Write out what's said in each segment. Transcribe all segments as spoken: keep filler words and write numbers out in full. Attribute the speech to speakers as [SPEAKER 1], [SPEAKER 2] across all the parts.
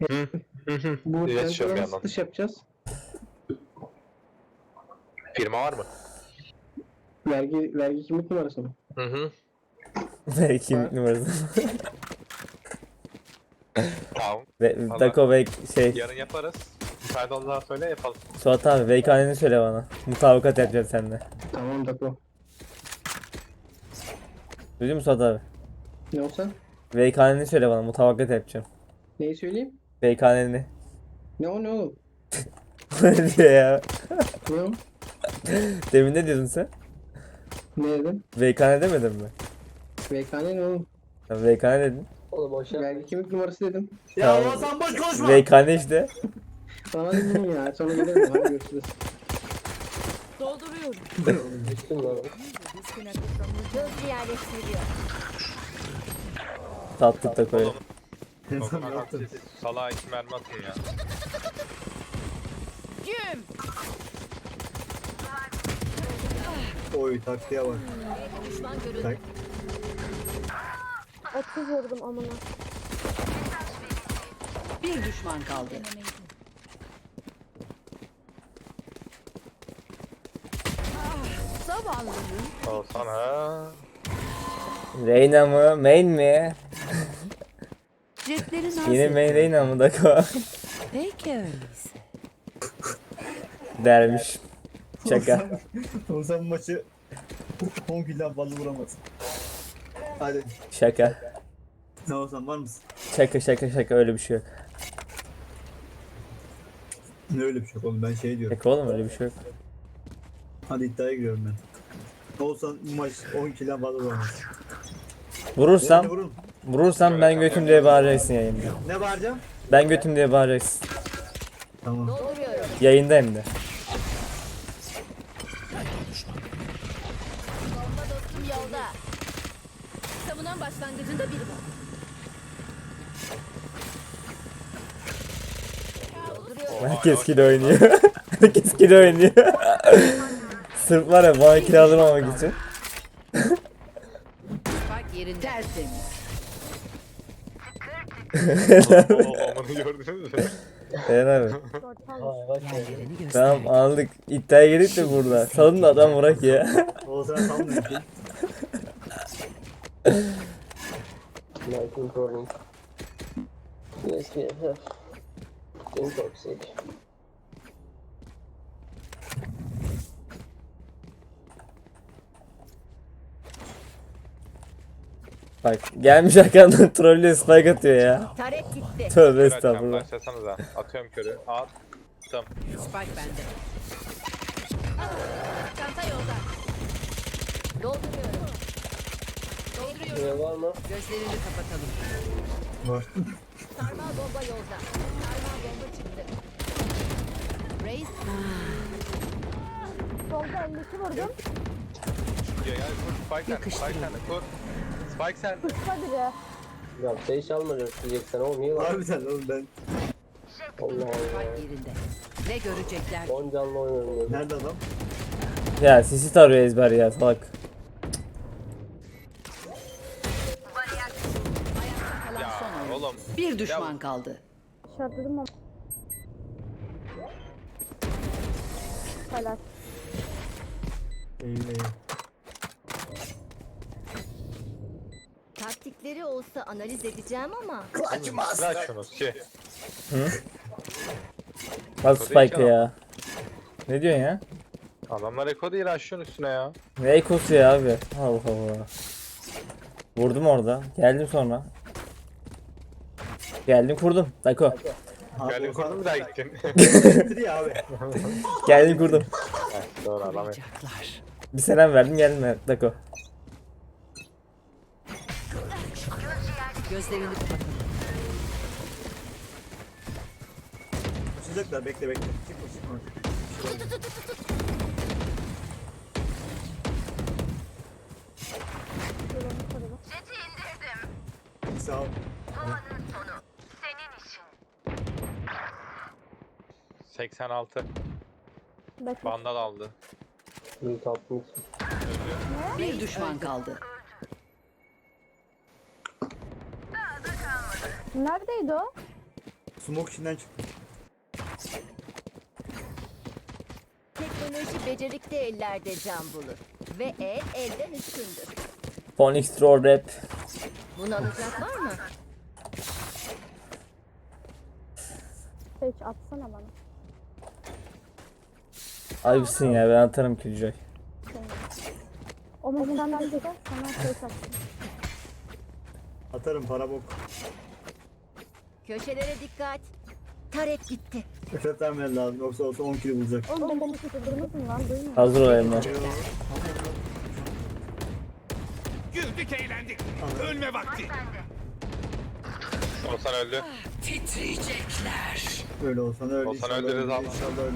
[SPEAKER 1] Hı hı hı.
[SPEAKER 2] Bu
[SPEAKER 1] İletişim
[SPEAKER 2] transferden
[SPEAKER 1] bir
[SPEAKER 2] nasıl
[SPEAKER 1] yandan.
[SPEAKER 2] satış yapacağız?
[SPEAKER 1] Firma var mı?
[SPEAKER 2] Vergi vergi kimlik numarası mı?
[SPEAKER 1] Hı hı.
[SPEAKER 3] Ve kimlik
[SPEAKER 2] Var.
[SPEAKER 3] numarası.
[SPEAKER 1] Tamam.
[SPEAKER 3] Ve
[SPEAKER 1] Valla
[SPEAKER 3] Dako ve şey
[SPEAKER 1] yarın yaparız. Müsaade olduğundan söyle yapalım.
[SPEAKER 3] Suat abi Veykan'ını söyle bana. Mutabakat yapacağım seninle.
[SPEAKER 2] Tamam Dako.
[SPEAKER 3] Duydun mu Suat abi?
[SPEAKER 2] Ne olsa?
[SPEAKER 3] Veykan'ını söyle bana, mutabakat yapacağım.
[SPEAKER 2] Neyi söyleyeyim?
[SPEAKER 3] Veykan'ını.
[SPEAKER 2] Ne o ne oğlum?
[SPEAKER 3] Ne diyor ya?
[SPEAKER 2] Ne o?
[SPEAKER 3] Demin ne diyordun sen?
[SPEAKER 2] Ne dedim?
[SPEAKER 3] Veykan demedin mi?
[SPEAKER 2] V K N ne oğlum?
[SPEAKER 3] Sen Veykan dedin.
[SPEAKER 4] Oğlum boş yapma.
[SPEAKER 2] Vergi kimlik numarası dedim.
[SPEAKER 5] Ya
[SPEAKER 3] Tamam.
[SPEAKER 5] Hasan boş konuşma.
[SPEAKER 3] Veykan işte.
[SPEAKER 2] Bana dedin ya. Sonra gelirim. Hadi görüşürüz.
[SPEAKER 6] Dolduruyorum.
[SPEAKER 4] Düştüm lan.
[SPEAKER 6] Gözcü yerleştiriliyor.
[SPEAKER 3] Tatlı Dako'yu.
[SPEAKER 1] Doktor haksız. Salağa iki mermi atın ya.
[SPEAKER 6] Güm.
[SPEAKER 5] Oy taktiğe bak.
[SPEAKER 6] Düşman görüldü.
[SPEAKER 5] Tak.
[SPEAKER 7] otuz vurdum amına.
[SPEAKER 6] Bir düşman kaldı. Zavallının
[SPEAKER 1] Olsan ha.
[SPEAKER 3] Reyna mı? Main mi?
[SPEAKER 6] cepleri naz
[SPEAKER 3] Yine main
[SPEAKER 6] ediyor.
[SPEAKER 3] Reyna mı Dako?
[SPEAKER 6] Peki öyleyse.
[SPEAKER 3] Dermiş. Şaka.
[SPEAKER 5] Hasan maçı on kilden fazla vuramaz. Hadi.
[SPEAKER 3] Şaka.
[SPEAKER 5] Ne olsan var mısın?
[SPEAKER 3] Şaka şaka şaka, öyle bir şey yok.
[SPEAKER 5] Ne öyle bir şey yok oğlum, ben şey diyorum.
[SPEAKER 3] Şaka oğlum, öyle bir şey yok.
[SPEAKER 5] Hadi iddiaya giriyorum ben. Ne olsan bu maç on kilden fazla vuramaz.
[SPEAKER 3] Vurursam,
[SPEAKER 5] Yani vurun.
[SPEAKER 3] vurursam ben götüm diye bağıracaksın yayında.
[SPEAKER 5] Ne bağıracağım?
[SPEAKER 3] Ben götüm diye bağıracaksın.
[SPEAKER 5] Tamam.
[SPEAKER 6] Dolduruyorum.
[SPEAKER 3] Yayında hem de.
[SPEAKER 6] Bomba dostum yolda. Savunan başlangıcında biri var. Dolduruyorum.
[SPEAKER 3] Herkes kilo oynuyor. Herkes kilo oynuyor. Sırf var ya, bana kiralanmamak için.
[SPEAKER 6] Spike yerinde. Tertemiz.
[SPEAKER 1] Onu gördünüz mü?
[SPEAKER 3] Eren abi.
[SPEAKER 4] Aa bak ya.
[SPEAKER 6] Yerini göster.
[SPEAKER 3] Tamam aldık. İddiaya girdik de burada. Salın da adam vurak ya.
[SPEAKER 5] Oğuzhan sanmıyor ki.
[SPEAKER 4] Lighting problem. Yes, we have. Intoxic.
[SPEAKER 3] Bak gelmiş arkandan trollüyor, spike atıyor ya.
[SPEAKER 6] Taret gitti.
[SPEAKER 3] Tövbe
[SPEAKER 1] Kör atacağım,
[SPEAKER 3] estağfurullah.
[SPEAKER 1] başlasanıza. Atıyorum körü. Attım.
[SPEAKER 6] Spike bende. Çanta yolda. Dolduruyorum. Dolduruyorum.
[SPEAKER 4] Ne var mı?
[SPEAKER 6] Gözlerini kapatalım.
[SPEAKER 5] Var.
[SPEAKER 6] Sarmal bomba yolda. Sarmal bomba çıktı. Reis.
[SPEAKER 7] Solda elli iki vurdum.
[SPEAKER 1] Ya ya kur. Spike sende. Spike sende. Kur. Spike sende.
[SPEAKER 7] Kısa biri.
[SPEAKER 4] Ya beş almayacak diyeceksen oğlum iyi lan.
[SPEAKER 5] Harbiden oğlum ben.
[SPEAKER 4] Allah Allah.
[SPEAKER 6] Spike yerinde. Ne görecekler?
[SPEAKER 4] on canlı oynuyorum dedim.
[SPEAKER 5] Nerede adam?
[SPEAKER 3] Ya sisi tarıyor ezber ya, salak.
[SPEAKER 6] Kalan
[SPEAKER 1] Ya
[SPEAKER 6] son oyun.
[SPEAKER 1] oğlum.
[SPEAKER 6] Bir düşman kaldı.
[SPEAKER 7] İşaretledim ama. Helal.
[SPEAKER 5] İyi iyi.
[SPEAKER 6] Taktikleri olsa analiz edeceğim ama.
[SPEAKER 1] Bırak şunu ki.
[SPEAKER 3] Bak spike ya. Ne diyorsun ya?
[SPEAKER 1] Adamlar eko değil aşığın üstüne ya.
[SPEAKER 3] Ne ekosu ya abi? Allah Allah. Vurdum orada. Geldim sonra. Geldim kurdum. Dako.
[SPEAKER 5] Abi
[SPEAKER 1] Geldin
[SPEAKER 5] Oğuzhan
[SPEAKER 1] kurdun bir daha gittin.
[SPEAKER 5] bitir abi.
[SPEAKER 3] Geldim kurdum.
[SPEAKER 1] Heh, doğru adam.
[SPEAKER 6] Olacaklar.
[SPEAKER 3] Bir selam verdim, geldim Dako.
[SPEAKER 6] Gözlerini kapatalım.
[SPEAKER 5] Açacaklar, bekle bekle. Çıkma çıkma. Sağ ol.
[SPEAKER 1] seksen altı.
[SPEAKER 7] Bekle.
[SPEAKER 1] Vandal aldı.
[SPEAKER 4] İyi tatlıyız.
[SPEAKER 6] Bir düşman kaldı.
[SPEAKER 7] Neredeydi o?
[SPEAKER 5] Smoke içinden çıktı.
[SPEAKER 6] Teknoloji becerikli ellerde can bulur. Ve el elden üstündür.
[SPEAKER 3] Phoenix Troll Rap.
[SPEAKER 6] Bunu alacak var mı?
[SPEAKER 7] Seç atsana bana.
[SPEAKER 3] Ayıpsın ya, ben atarım Killjoy.
[SPEAKER 7] O momentten de sana seç atsın.
[SPEAKER 5] Atarım para bok.
[SPEAKER 6] Köşelere dikkat. Tarek gitti.
[SPEAKER 5] Efet vermen lazım yoksa olsa on kilo bulacak.
[SPEAKER 7] Oğlum beni tutturdunuz lan duymuyor.
[SPEAKER 3] Hazır ol Emre.
[SPEAKER 8] Güldük eğlendik. Ölme vakti.
[SPEAKER 1] Olsan öldü.
[SPEAKER 5] Öyle olsan öyle.
[SPEAKER 1] Olsan
[SPEAKER 5] inşallah
[SPEAKER 1] öldürürüz
[SPEAKER 5] öyle,
[SPEAKER 1] abi.
[SPEAKER 5] İnşallah öyle.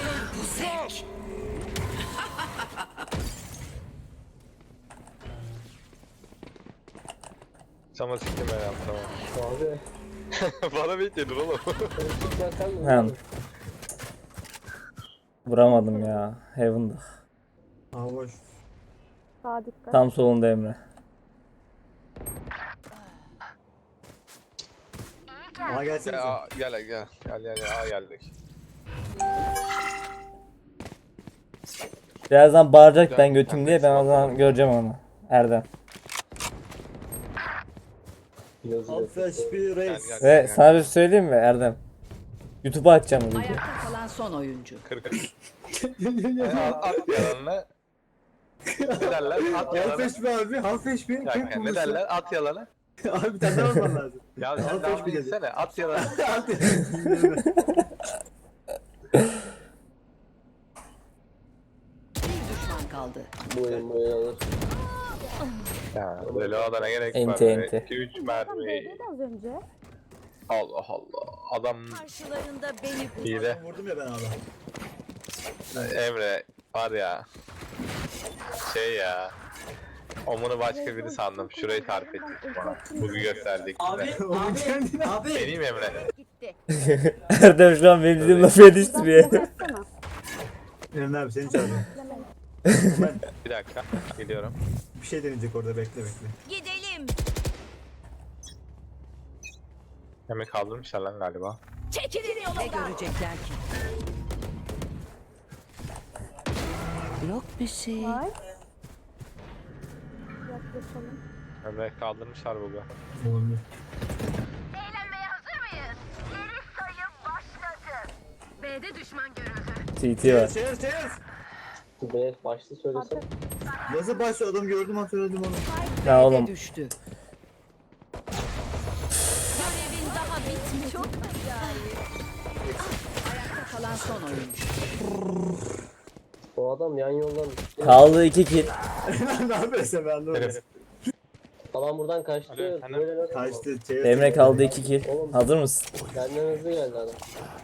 [SPEAKER 1] Sama siktim ben ya tamam.
[SPEAKER 4] Abi.
[SPEAKER 1] Bana bekledin oğlum.
[SPEAKER 4] Konuşurken sen mi?
[SPEAKER 3] Hem. Vuramadım ya. Heaven'da.
[SPEAKER 5] Aa boş.
[SPEAKER 7] Sağa dikkat.
[SPEAKER 3] Tam solunda Emre.
[SPEAKER 5] Aa gelsene
[SPEAKER 1] Gel
[SPEAKER 5] sen.
[SPEAKER 1] aa, gel gel gel gel gel aa geldik.
[SPEAKER 3] Birazdan bağıracak ben götüm diye, ben o zaman göreceğim onu. Erdem.
[SPEAKER 4] Yazı
[SPEAKER 5] Alt flash bir
[SPEAKER 1] Gel
[SPEAKER 5] reis.
[SPEAKER 1] gel.
[SPEAKER 3] Ve
[SPEAKER 1] gel,
[SPEAKER 3] sana bir şey söyleyeyim mi Erdem? YouTube'a atacağım bu videoyu.
[SPEAKER 9] Ayakta kalan son oyuncu.
[SPEAKER 1] Kır kır. Yani at, at yalanını. Ne derler? At
[SPEAKER 5] Half
[SPEAKER 1] yalanı.
[SPEAKER 5] H P abi. Half H P.
[SPEAKER 1] Ya, ya, ne derler? At yalanı.
[SPEAKER 5] Abi bir tane daha alman lazım.
[SPEAKER 1] Ya sen
[SPEAKER 5] Half
[SPEAKER 1] daha
[SPEAKER 5] H P dedi.
[SPEAKER 1] bilsene. At yalanı.
[SPEAKER 9] Bir düşman kaldı.
[SPEAKER 4] bu oyun bu oyun alır.
[SPEAKER 1] Ya böyle o adana gerek var.
[SPEAKER 3] Ente, ente.
[SPEAKER 1] iki üç
[SPEAKER 7] Zaten
[SPEAKER 1] mermi.
[SPEAKER 7] B'deydi az önce.
[SPEAKER 1] Allah Allah. Adam
[SPEAKER 6] Karşılarında beni bul.
[SPEAKER 1] iyi de.
[SPEAKER 5] Vurdum ya ben abi.
[SPEAKER 1] Emre var ya. Şey ya. Omunu başka biri sandım. Şurayı tarif ettik bana. Bugün gösterdik. Abi,
[SPEAKER 5] Onu kendine abi.
[SPEAKER 1] Benim Emre.
[SPEAKER 6] Gitti.
[SPEAKER 3] Erdem şu an benim dediğim lafı yetiştiriyor.
[SPEAKER 7] Baksana.
[SPEAKER 5] Emre abi seni çağırıyorum.
[SPEAKER 1] Bir dakika. Geliyorum.
[SPEAKER 5] Bir şey deneyecek orada, bekle bekle.
[SPEAKER 6] Gidelim.
[SPEAKER 1] Emre kaldırmışlar lan galiba.
[SPEAKER 6] Çekilin
[SPEAKER 9] Ne
[SPEAKER 6] yolumdan.
[SPEAKER 9] görecekler ki? Yok bir şey.
[SPEAKER 7] Var. Yaklaşalım.
[SPEAKER 1] Emre kaldırmışlar bugün.
[SPEAKER 5] Olabilir.
[SPEAKER 6] Eğlenmeye hazır mıyız? Geri sayım başladı. B'de düşman görüldü.
[SPEAKER 3] T T var.
[SPEAKER 5] Cheers cheers.
[SPEAKER 4] B başta söylesem.
[SPEAKER 5] Nasıl başlıyor adam, gördüm an söyledim onu.
[SPEAKER 3] Ya
[SPEAKER 9] B'de
[SPEAKER 3] oğlum.
[SPEAKER 9] düştü.
[SPEAKER 6] Görevin daha bitmedi. Çok
[SPEAKER 9] Ayakta kalan son oyuncu.
[SPEAKER 4] O adam yan yoldan.
[SPEAKER 3] Kaldı iki kill.
[SPEAKER 5] Ne yapıyorsun ben de
[SPEAKER 1] Herif.
[SPEAKER 4] Adam buradan kaçtı.
[SPEAKER 1] Alo, efendim?
[SPEAKER 4] Böyle nasıl?
[SPEAKER 5] Kaçtı. Cheers.
[SPEAKER 3] Emre kaldı iki kill. Hazır mısın?
[SPEAKER 4] Benden hızlı geldi adam.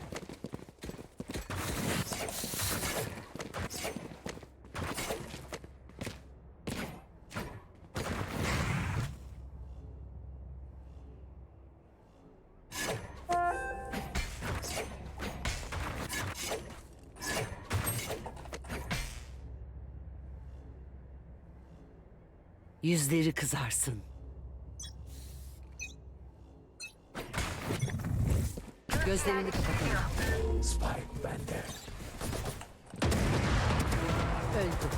[SPEAKER 9] Yüzleri kızarsın. Gözlerini kapatalım. Spike bende. Öldü.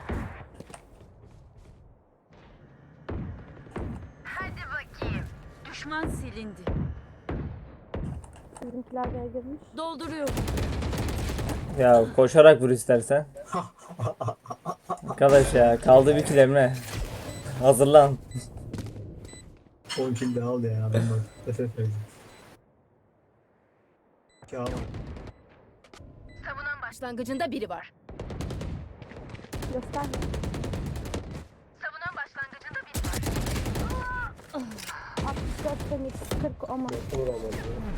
[SPEAKER 6] Hadi bakayım. Düşman silindi.
[SPEAKER 7] Bizimkiler B'ye girmiş.
[SPEAKER 6] Dolduruyorum.
[SPEAKER 3] Ya koşarak vur istersen. Arkadaş ya, kaldı bir kill Emre. Hazırlan.
[SPEAKER 5] on kill de al ya adam bak. F F verecek. Kâr.
[SPEAKER 6] Savunan başlangıcında biri var.
[SPEAKER 7] Gösterme.
[SPEAKER 6] Savunan başlangıcında biri var.
[SPEAKER 7] altmış dört Phoenix kırk ama.
[SPEAKER 4] Vuramadı.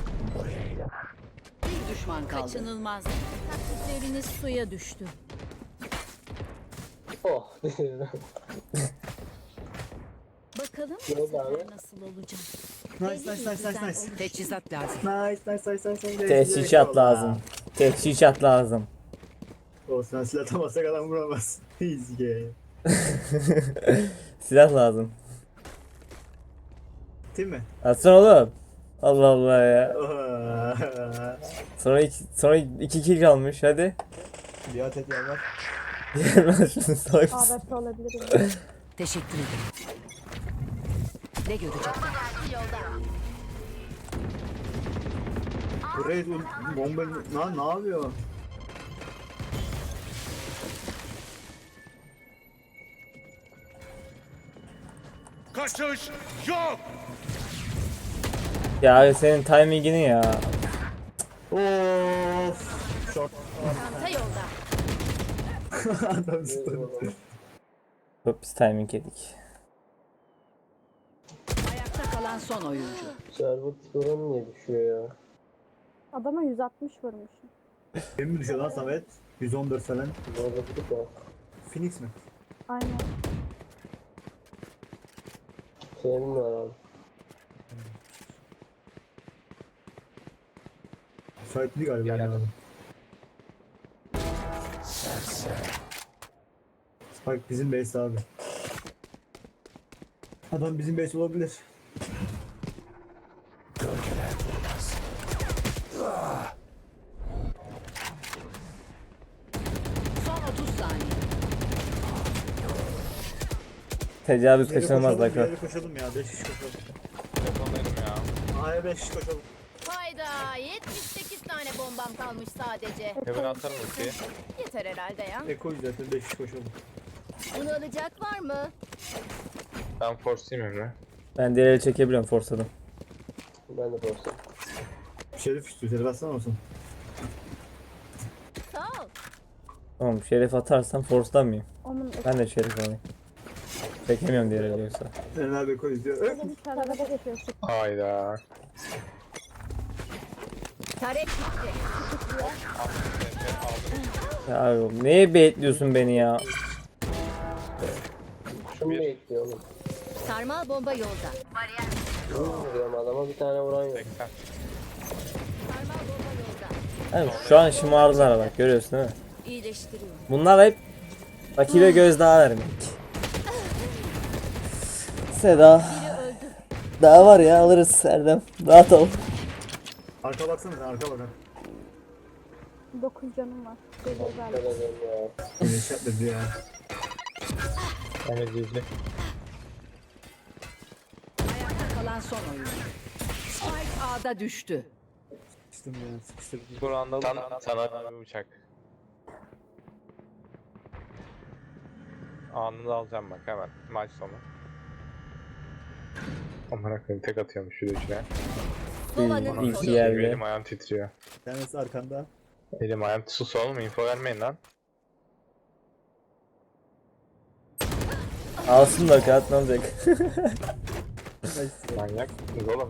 [SPEAKER 9] Bir düşman kaldı.
[SPEAKER 6] Kaçınılmaz. Taktikleriniz suya düştü.
[SPEAKER 4] Oh.
[SPEAKER 6] Bakalım
[SPEAKER 4] Ne
[SPEAKER 6] bu
[SPEAKER 4] oldu abi?
[SPEAKER 6] sefer nasıl olacak?
[SPEAKER 5] Nice nice nice nice nice.
[SPEAKER 9] Teçhizat lazım.
[SPEAKER 5] Nice nice nice nice nice.
[SPEAKER 3] Teşhisat lazım. Teşhisat lazım.
[SPEAKER 5] Olsun silah atamazsak adam vuramaz. Easy game.
[SPEAKER 3] Silah lazım.
[SPEAKER 5] Değil mi?
[SPEAKER 3] Atsana oğlum. Allah Allah ya. Sonra iki, sonra iki kill kalmış hadi.
[SPEAKER 5] Biat et yavrum.
[SPEAKER 3] Yemez şunu salak mısın?
[SPEAKER 7] A W P olabilir.
[SPEAKER 9] Teşekkür ederim. Ne görecekler?
[SPEAKER 6] Yolda.
[SPEAKER 5] Buraya bomba ne, ne yapıyor?
[SPEAKER 8] Kaçış yok.
[SPEAKER 3] Ya abi senin timingini ya.
[SPEAKER 5] Of. Short.
[SPEAKER 6] Çanta yolda.
[SPEAKER 5] Adam zıpladı.
[SPEAKER 3] Hop biz timing yedik.
[SPEAKER 9] Ayakta kalan son oyuncu.
[SPEAKER 4] Server skorun niye düşüyor ya?
[SPEAKER 7] Adama yüz altmış vurmuşum.
[SPEAKER 5] Benim mi düşüyor lan Samet? yüz on dört falan.
[SPEAKER 4] Zorladık ya.
[SPEAKER 5] Phoenix mi?
[SPEAKER 7] Aynen.
[SPEAKER 4] Senin var abi.
[SPEAKER 5] Müsaitli galiba. Yani. Spike bizim base abi. Adam bizim base olabilir.
[SPEAKER 9] Son otuz saniye.
[SPEAKER 3] Tecavüz
[SPEAKER 5] Geri
[SPEAKER 3] kaçınılmaz
[SPEAKER 5] koşalım,
[SPEAKER 3] dakika.
[SPEAKER 5] geri koşalım ya. beş kişi koşalım.
[SPEAKER 1] Telefonlarım ya.
[SPEAKER 5] A'ya beş kişi koşalım.
[SPEAKER 6] Hayda yetmiş sekiz tane bombam kalmış sadece.
[SPEAKER 1] Hemen atarım ultiyi.
[SPEAKER 6] Yeter herhalde ya.
[SPEAKER 5] Eko'yu zaten beş kişi koşalım.
[SPEAKER 6] Bunu alacak var mı?
[SPEAKER 1] Ben force'layım Emre.
[SPEAKER 3] Ben diğer eli çekebiliyorum forsadım.
[SPEAKER 4] Ben de borsa.
[SPEAKER 5] Şerif istiyor. Şerif atsana olsun.
[SPEAKER 6] Sağ ol.
[SPEAKER 3] Tamam şerif atarsam force'lamayayım.
[SPEAKER 7] Onun
[SPEAKER 3] Ben de şerif alayım. Çekemiyorum diğer eli yoksa.
[SPEAKER 5] Enver Beko izliyor. Öf!
[SPEAKER 7] öyle bir tarafa geçiyor.
[SPEAKER 1] Hayda.
[SPEAKER 6] Tarek gitti.
[SPEAKER 3] Ya abi neye baitliyorsun beni ya?
[SPEAKER 4] Şunu bekliyor oğlum.
[SPEAKER 6] Sarmal bomba yolda.
[SPEAKER 4] Şunu vuruyorum adama bir tane vuran yok.
[SPEAKER 1] seksen.
[SPEAKER 6] Sarmal bomba yolda.
[SPEAKER 3] Yani şu an şımardılar bak görüyorsun değil mi?
[SPEAKER 6] İyileştiriyorum.
[SPEAKER 3] Bunlar hep rakibe gözdağı vermek. Seda. Daha var ya alırız Erdem. Rahat ol.
[SPEAKER 5] Arka baksana sen arka bak.
[SPEAKER 7] dokuz canım var. Böyle
[SPEAKER 4] Kadar
[SPEAKER 7] özellik.
[SPEAKER 4] ya.
[SPEAKER 5] Güneş yapmadı ya.
[SPEAKER 1] Emre izle.
[SPEAKER 9] Ayakta kalan son oyuncu. Spike A'da düştü.
[SPEAKER 5] Sıkıştım ya sıkıştırdım.
[SPEAKER 1] Burandalı sana, sana bir uçak. Anını alacağım bak hemen maç sonu. Amına koyayım tek atıyormuş şu üçüne.
[SPEAKER 6] Sovanın
[SPEAKER 3] İyi
[SPEAKER 6] sonu.
[SPEAKER 3] ki geldi.
[SPEAKER 1] Elim ayağım titriyor.
[SPEAKER 5] Bir tanesi arkanda.
[SPEAKER 1] Elim ayağım sus oğlum info vermeyin lan.
[SPEAKER 3] Alsın da kağıt ne olacak?
[SPEAKER 1] Manyak mısınız oğlum?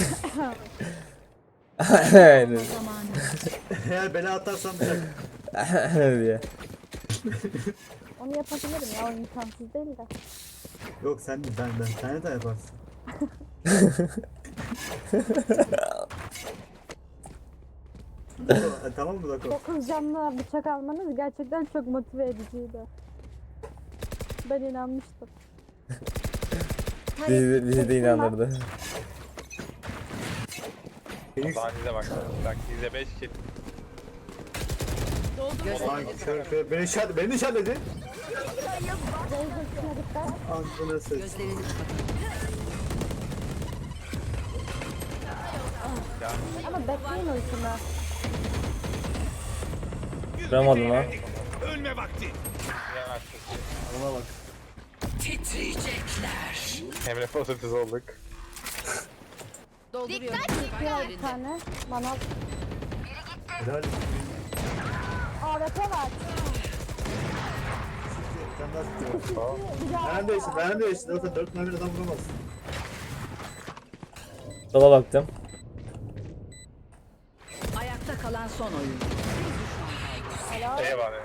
[SPEAKER 3] Aynen.
[SPEAKER 5] Eğer bela atarsam bırak.
[SPEAKER 3] diye.
[SPEAKER 7] Onu yapabilirim ya. O imkansız değil de.
[SPEAKER 5] Yok sen değil ben ben. Sen de yaparsın. Dako, e, tamam mı Dako?
[SPEAKER 7] dokuz canlı bıçak almanız gerçekten çok motive ediciydi. Ben inanmıştım.
[SPEAKER 3] Bizi, bizi de inandırdı.
[SPEAKER 5] Phoenix.
[SPEAKER 1] Saniye bak. Bak izle beş kill.
[SPEAKER 5] Ay kör kör. Beni işaret, beni işaretledi.
[SPEAKER 7] Zeyzesine dikkat.
[SPEAKER 5] Ağzına ses.
[SPEAKER 9] Gözlerini kapatalım.
[SPEAKER 7] Ama bekleyin ultimi.
[SPEAKER 8] Güldük
[SPEAKER 3] Vuramadım lan.
[SPEAKER 8] eğlendik. Ölme vakti.
[SPEAKER 1] Yemezsin.
[SPEAKER 5] Bana bak.
[SPEAKER 9] Titriyecekler.
[SPEAKER 1] Emre pozitif olduk.
[SPEAKER 6] Dolduruyorum.
[SPEAKER 7] Bir bir tane. Bana
[SPEAKER 5] Helal.
[SPEAKER 7] A W P var.
[SPEAKER 5] Sen daha tutuyor. Ben de işte, ben de işte. Zaten dört mermi adam vuramaz.
[SPEAKER 3] Sola baktım.
[SPEAKER 9] Ayakta kalan son oyuncu.
[SPEAKER 1] Ey var ya.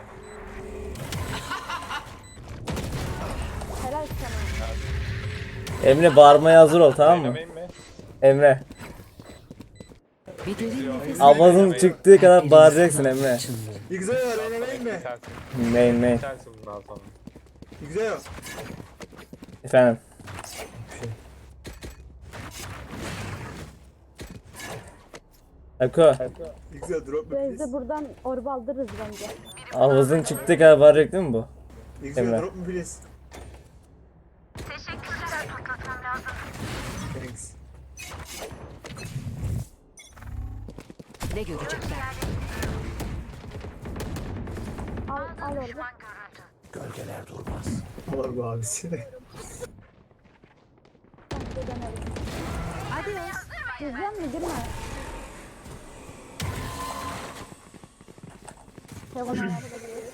[SPEAKER 7] Helal sana.
[SPEAKER 3] Emre bağırmaya hazır ol tamam mı?
[SPEAKER 1] Oynamayayım mı?
[SPEAKER 3] Emre.
[SPEAKER 9] Bir derin nefes
[SPEAKER 3] Avazın çıktığı kadar bağıracaksın Emre.
[SPEAKER 5] Güzel var, oynamayayım mı?
[SPEAKER 1] Sensin.
[SPEAKER 3] Main main.
[SPEAKER 1] Sensin bundan sonra.
[SPEAKER 5] Güzel.
[SPEAKER 3] Efendim. Dako.
[SPEAKER 5] Güzel drop mu
[SPEAKER 7] Rezde
[SPEAKER 5] please?
[SPEAKER 7] buradan orba aldırırız bence.
[SPEAKER 3] Ağzın çıktı galiba arayacak değil mi bu?
[SPEAKER 5] Güzel
[SPEAKER 3] Emre.
[SPEAKER 5] drop mu please? Thanks.
[SPEAKER 9] Ne görecekler?
[SPEAKER 7] Al, al orba.
[SPEAKER 5] Var bu abisi.
[SPEAKER 7] Ben de denerim.
[SPEAKER 9] Adios.
[SPEAKER 7] İzleyen mi? Girme. Heaven ayarı da geliyor.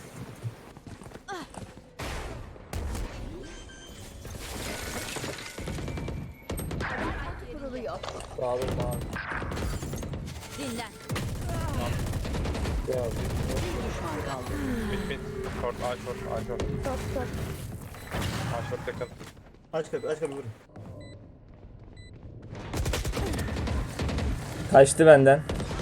[SPEAKER 6] Kuruluyor.
[SPEAKER 4] Abi abi.
[SPEAKER 6] Dinlen.
[SPEAKER 4] Ya
[SPEAKER 9] Bir düşman kaldı.
[SPEAKER 1] Bit bit. Short, A short, A short.
[SPEAKER 7] Çok çok.
[SPEAKER 1] A short yakın.
[SPEAKER 5] Aç kapıyı aç kapıyı vurun.
[SPEAKER 3] Kaçtı benden.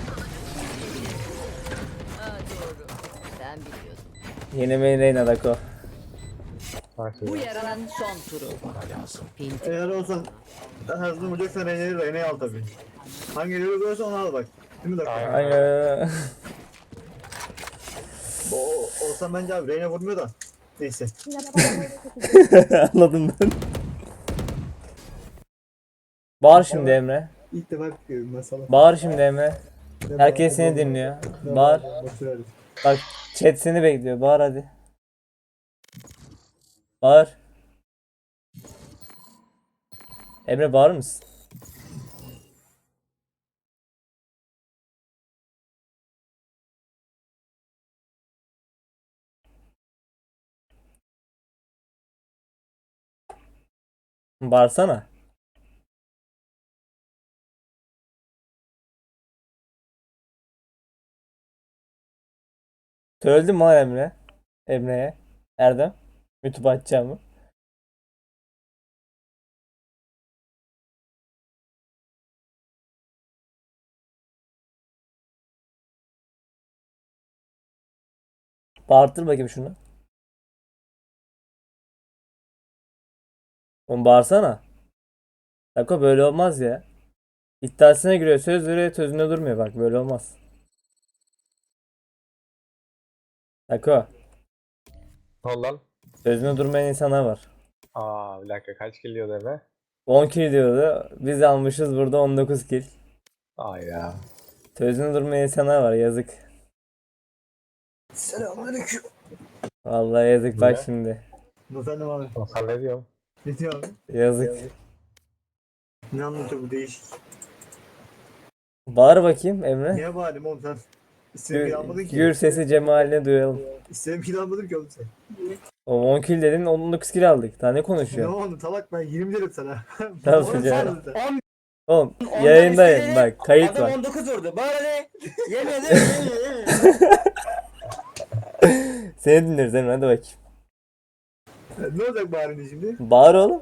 [SPEAKER 6] Aa, doğru. Ben biliyordum.
[SPEAKER 3] Yeni main Reyna Dako.
[SPEAKER 9] Bu yarının son turu. Pinti.
[SPEAKER 5] Eğer olsan her zaman vuracaksan Reyna'yı Reyna'yı al tabii. Hangi yeri görürsen onu al bak. Değil mi Dako?
[SPEAKER 1] Aynen.
[SPEAKER 3] Ay,
[SPEAKER 5] O, olsan bence abi Reyna vurmuyor da. Neyse.
[SPEAKER 7] Yine paraları çekeceğim.
[SPEAKER 3] anladım ben. Bağır şimdi Emre.
[SPEAKER 5] İlk defa görüyorum masala.
[SPEAKER 3] Bağır şimdi Emre. Herkes seni dinliyor. Bağır. Bak chat seni bekliyor. Bağır hadi. Bağır. Emre bağır mısın? Bağırsana. Söyledim mi lan Emre? Emre'ye. Erdem. YouTube açacağımı. Bağırtır bakayım şunu. Oğlum bağırsana. Dako böyle olmaz ya. İddiasına giriyor, söz veriyor, sözünde durmuyor, bak böyle olmaz. Dako,
[SPEAKER 1] Ne oldu lan?
[SPEAKER 3] sözünde durmayan insanlar var.
[SPEAKER 1] Aa bir dakika kaç kill diyor deme.
[SPEAKER 3] on kill diyordu. Biz almışız burada on dokuz kill.
[SPEAKER 1] Ay ya.
[SPEAKER 3] Sözünde durmayan insanlar var, yazık.
[SPEAKER 5] Selamünaleyküm.
[SPEAKER 3] Vallahi yazık bak
[SPEAKER 1] Ne?
[SPEAKER 3] şimdi.
[SPEAKER 5] Efendim abi.
[SPEAKER 1] Sen ne diyorsun?
[SPEAKER 5] Ne diyor abi?
[SPEAKER 3] Yazık.
[SPEAKER 5] Ne anlatıyor bu değişik?
[SPEAKER 3] Bağır bakayım Emre.
[SPEAKER 5] Niye bağırayım oğlum sen? İstediğimi
[SPEAKER 3] Gür,
[SPEAKER 5] almadın ki.
[SPEAKER 3] gür sesi cemaline duyalım.
[SPEAKER 5] İstediğimi almadın ki oğlum sen.
[SPEAKER 3] O on kill dedin on dokuz kill aldık. Daha ne
[SPEAKER 5] Ne
[SPEAKER 3] konuşuyor?
[SPEAKER 5] oldu talak ben yirmi derim sana.
[SPEAKER 3] Tamam,
[SPEAKER 5] Oğlum
[SPEAKER 3] çocuğa.
[SPEAKER 5] sen-
[SPEAKER 10] on
[SPEAKER 3] Oğlum yayındayım bak kayıt
[SPEAKER 10] adam
[SPEAKER 3] var.
[SPEAKER 10] on dokuz vurdu. Bana ne? Yemedi. Yemedi.
[SPEAKER 3] Seni dinleriz Emre hadi bakayım.
[SPEAKER 5] Ne olacak bağırınca şimdi?
[SPEAKER 3] Bağır oğlum.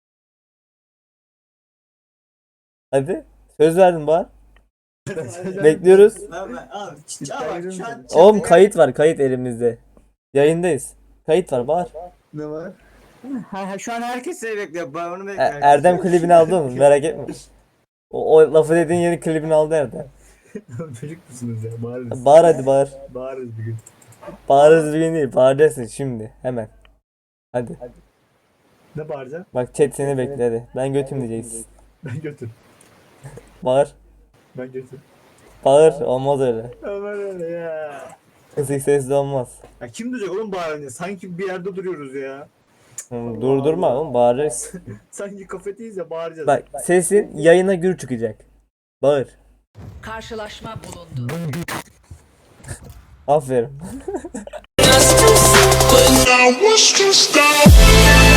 [SPEAKER 3] Hadi. Söz verdin bağır. Bekliyoruz.
[SPEAKER 10] Abi, abi, ya bak şu an
[SPEAKER 3] Oğlum kayıt var kayıt elimizde. Yayındayız. Kayıt var bağır.
[SPEAKER 5] Ne var?
[SPEAKER 10] Ha, ha, şu an herkes seni bekliyor. Ben onu
[SPEAKER 3] E-
[SPEAKER 10] bekliyorum.
[SPEAKER 3] Erdem klibini aldı mı? Merak etme. O, o lafı dediğin yeni klibini aldı Erdem.
[SPEAKER 5] Çocuk musunuz ya? Bağırırız.
[SPEAKER 3] Bağır hadi bağır.
[SPEAKER 5] Bağırırız bir gün.
[SPEAKER 3] Bağırırız bir gün değil. Bağıracaksın şimdi. Hemen. Hadi.
[SPEAKER 5] Ne bağıracaksın?
[SPEAKER 3] Bak chat seni bekliyor hadi. Ben götüm diyeceksin.
[SPEAKER 5] Ben götür.
[SPEAKER 3] Bağır.
[SPEAKER 5] Ben götür.
[SPEAKER 3] Bağır. Olmaz öyle.
[SPEAKER 5] Aman öyle ya.
[SPEAKER 3] Kısık sesli olmaz.
[SPEAKER 5] Ya kim duyacak oğlum bağırınca? Sanki bir yerde duruyoruz ya.
[SPEAKER 3] Hı, Durdurma oğlum bağırırız.
[SPEAKER 5] Sanki kafeteyiz ya bağıracağız.
[SPEAKER 3] Bak sesin yayına gür çıkacak. Bağır.
[SPEAKER 9] Karşılaşma bulundu.
[SPEAKER 3] Aferin.
[SPEAKER 8] I was to stop.